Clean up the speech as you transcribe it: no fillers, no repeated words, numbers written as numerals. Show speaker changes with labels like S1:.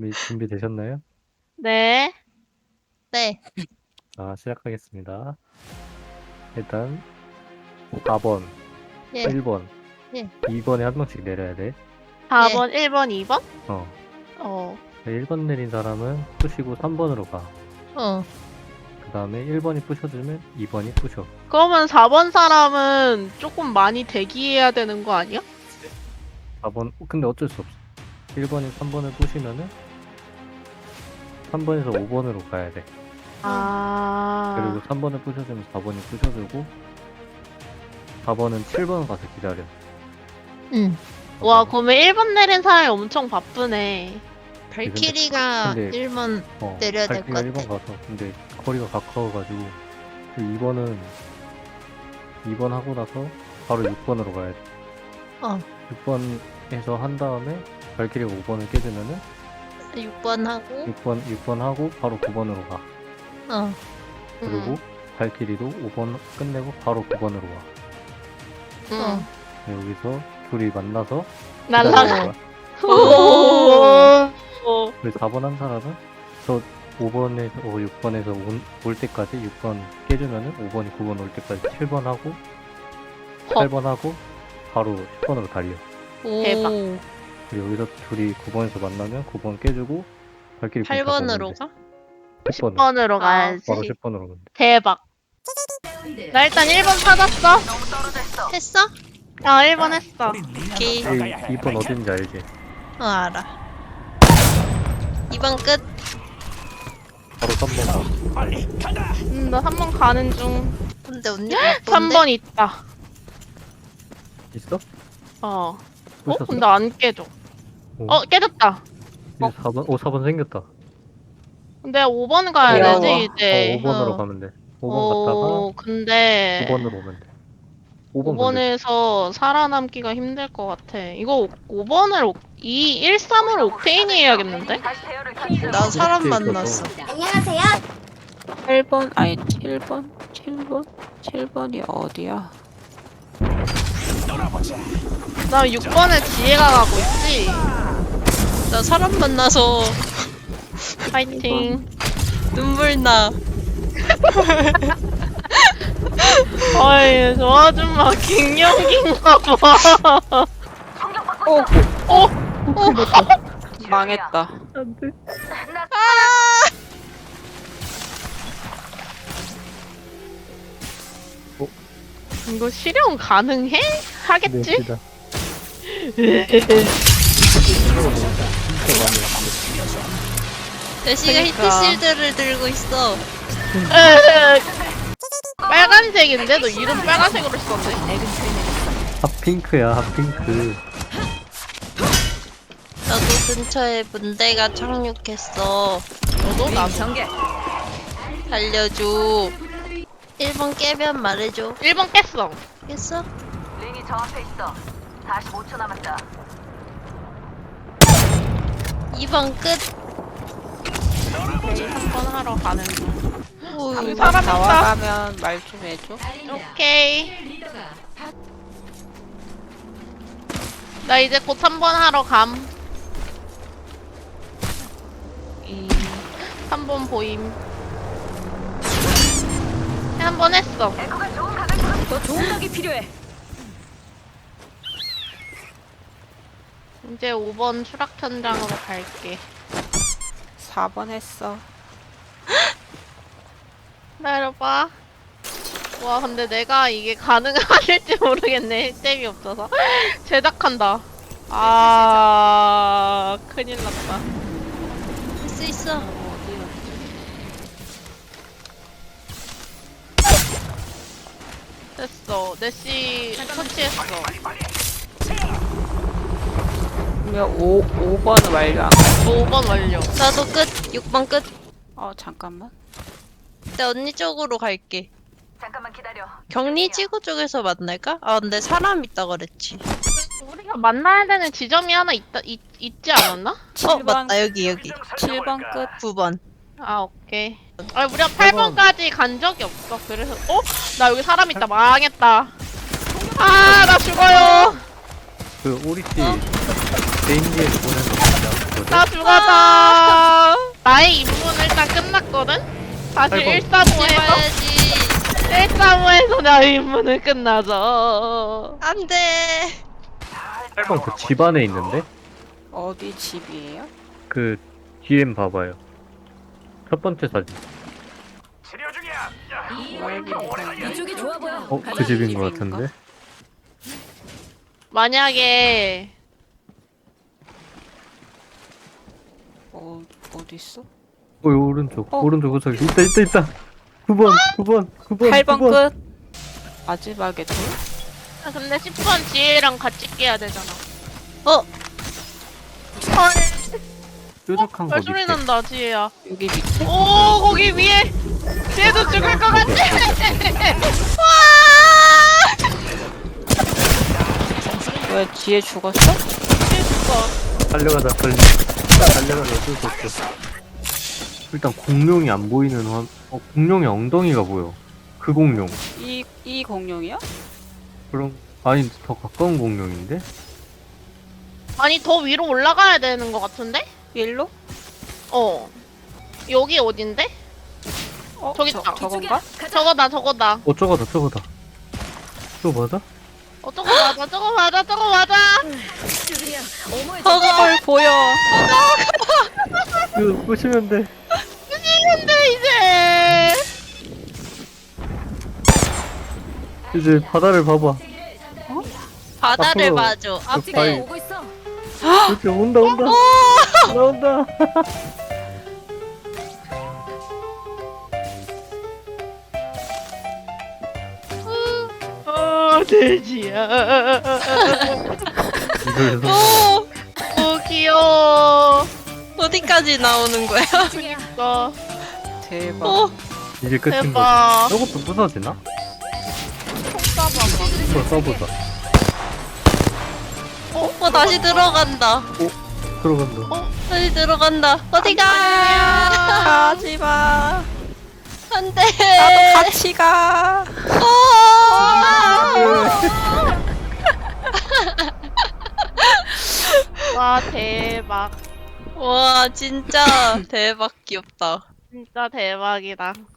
S1: 준비되셨나요?
S2: 네.
S3: 네.
S1: 시작하겠습니다. 일단 4번,
S3: 예.
S1: 1번,
S3: 예.
S1: 2번에 한 명씩 내려야 돼.
S2: 4번, 1번, 2번?
S1: 어. 1번 내린 사람은 푸시고 3번으로 가. 그 다음에 1번이 푸셔주면 2번이 푸셔.
S2: 그러면 4번 사람은 조금 많이 대기해야 되는 거 아니야?
S1: 4번, 근데 어쩔 수 없어. 1번이 3번을 푸시면은 3번에서 5번으로 가야 돼. 그리고 3번을 푸셔주면 4번이 푸셔주고 4번은 7번 가서 기다려.
S3: 응.
S2: 와, 그러면 1번 내린 사람이 엄청 바쁘네.
S3: 발키리가
S1: 근데-
S3: 1번 내려야 될 것
S1: 발키리가
S3: 같아.
S1: 1번 가서 근데 거리가 가까워가지고 2번은 2번 하고 나서 바로 6번으로 가야 돼. 6번에서 한 다음에 발키리가 5번을 깨주면은
S3: 6번 하고
S1: 6번 하고 바로 9번으로 가. 그리고 발키리도 5번 끝내고 바로 9번으로 와. 여기서 둘이 만나서
S2: 날라가.
S1: 기다리는 거야.
S2: 오.
S1: 그래서 4번 한 사람은 저 5번에서 6번에서 올 때까지 6번 깨주면은 5번이 9번 올 때까지 7번 하고 8번 하고 바로 10번으로 달려.
S2: 대박.
S1: 그리고 여기서 둘이 9번에서 만나면 9번 깨주고 발키리
S3: 8번으로 가?
S1: 10번으로
S2: 10번으로 가야지.
S1: 바로 10번으로 가면 돼.
S2: 대박. 나 일단 1번 찾았어.
S3: 했어?
S2: 1번 했어.
S3: 오케이.
S1: 2번 어딘지 알지?
S3: 알아. 2번 끝.
S1: 바로 3번 가.
S2: 나 3번 가는 중.
S3: 근데 언니
S2: 3번 있다.
S1: 있어?
S2: 근데 안 깨져. 깨졌다.
S1: 이제 4번 생겼다.
S2: 근데 5번 가야
S3: 귀여워.
S2: 되지, 이제.
S1: 5번으로 가면 돼. 5번 갔다가
S2: 근데
S1: 9번으로 오면 돼. 5번 건데.
S2: 5번에서 살아남기가 힘들 것 같아. 이거 5번을 1-3을 옥테인이 해야겠는데?
S3: 나 사람
S1: 이렇게
S3: 만났어.
S1: 있어서
S4: 8번 아니 7번 7번이 어디야?
S2: 나 6번에 지혜가 가고 있지?
S3: 나 사람 만나서
S2: 파이팅.
S3: 눈물 나.
S2: 어이, 저 아줌마 갱년기인가 봐.
S4: 망했다.
S2: 이거 실현 가능해? 하겠지?
S1: 네,
S3: 대시가
S2: 그러니까.
S3: 히트실드를 들고 있어.
S2: 빨간색인데? 너 이름 빨간색으로 썼네?
S1: 핫핑크야, 핫핑크.
S3: 나도 근처에 문대가 착륙했어.
S2: 너도 나도.
S3: 살려줘. 1번 깨면 말해줘.
S2: 1번 깼어.
S3: 깼어?
S5: 링이 저 앞에 있어. 45초 남았다.
S3: 2번 끝.
S2: 오케이, 3번 하러 가는 중.
S3: 어휴,
S2: 사람 있다.
S4: 나와가면 말 좀 해줘.
S2: 오케이. 나 이제 곧 3번 하러 감. 3번 보임. 한 번 했어.
S5: 에코가 좋은 가격으로 더 좋은 각이 필요해.
S2: 이제 5번 추락 현장으로 갈게.
S4: 4번 했어.
S2: 기다려봐. 와, 근데 내가 이게 가능할지 모르겠네. 템이 없어서. 제작한다. 큰일 났다.
S3: 할 수 있어.
S2: 됐어. 내시 터치했어.
S4: 그러면 5번 완료.
S2: 5번 완료.
S3: 나도 끝. 6번 끝.
S4: 잠깐만.
S3: 나 언니 쪽으로 갈게.
S5: 잠깐만 기다려.
S3: 격리지구 쪽에서 만날까? 근데 사람 있다 그랬지.
S2: 우리가 만나야 되는 지점이 하나 있지 않았나?
S4: 7번
S3: 맞다. 여기.
S4: 7번 끝.
S3: 9번.
S2: 오케이. 우리가 8번까지 간 적이 없어. 그래서, 나 여기 사람 있다. 망했다. 나 죽어요.
S1: 그 오리씨 개인기에서 보낸 거 진짜 거든?
S2: 나 죽었다. 나의 임무는 일단 끝났거든? 다시
S1: 아이고.
S2: 135에서
S3: 해봐야지.
S2: 135에서 나의 임무는 끝나죠.
S3: 안 돼.
S1: 8번 그 집 안에 있는데?
S4: 어디 집이에요?
S1: 그 뒤엔 봐봐요. 첫 번째 사진.
S5: 이쪽이 좋아 보여.
S1: 그 집인 거 같은데?
S2: 만약에
S4: 어디 있어?
S1: 여기 오른쪽.
S4: 어.
S1: 오른쪽 구석에 있다. 9번.
S4: 8번 끝. 마지막에 둘?
S2: 아, 근데 10번 지혜랑 같이 깨야 되잖아.
S1: 뾰족한 거
S2: 발소리
S1: 밑에.
S2: 난다 지혜야.
S4: 여기 밑에?
S2: 오 거기 위에 지혜도 죽을 것 같아.
S4: 왜 뒤에 죽었어?
S2: 지혜 죽어.
S1: 달려가자 빨리. 달려가자 어쩔 수 없어. 일단 공룡이 안 보이는 공룡의 엉덩이가 보여. 그 공룡.
S4: 이 공룡이야?
S1: 그럼 아니 더 가까운 공룡인데?
S2: 아니 더 위로 올라가야 되는 것 같은데?
S4: 일로?
S2: 어. 여기 어딘데? 저기
S4: 저,
S2: 있다.
S4: 저건가?
S2: 저거다.
S1: 저거다. 저거 맞아?
S2: 저거 맞아.
S5: 수빈이야, 어머의
S3: 헐 보여.
S1: 이거 보시면 돼.
S2: 근데
S1: 이제 바다를 봐봐.
S3: 바다를
S1: 앞으로.
S3: 봐줘.
S1: 그
S3: 앞에.
S1: 바위.
S5: 오고 있어.
S1: 그렇지 온다. 나온다.
S2: 돼지야.
S1: 이걸
S3: 오,
S2: 오 귀여워.
S3: 어디까지 나오는 거야?
S2: 어,
S4: 대박.
S3: 오,
S1: 이게 끝인 거지.
S2: 대박.
S1: 저것도 부서지나?
S2: 총 쏴봐봐.
S1: 이거 써보자.
S3: 다시 들어간다.
S1: 들어간다.
S3: 다시 들어간다. 어디가?
S4: 가지마.
S3: 안 돼.
S4: 나도 같이 가.
S2: 와 대박.
S3: 와, 진짜 대박 귀엽다.
S2: 진짜 대박이다.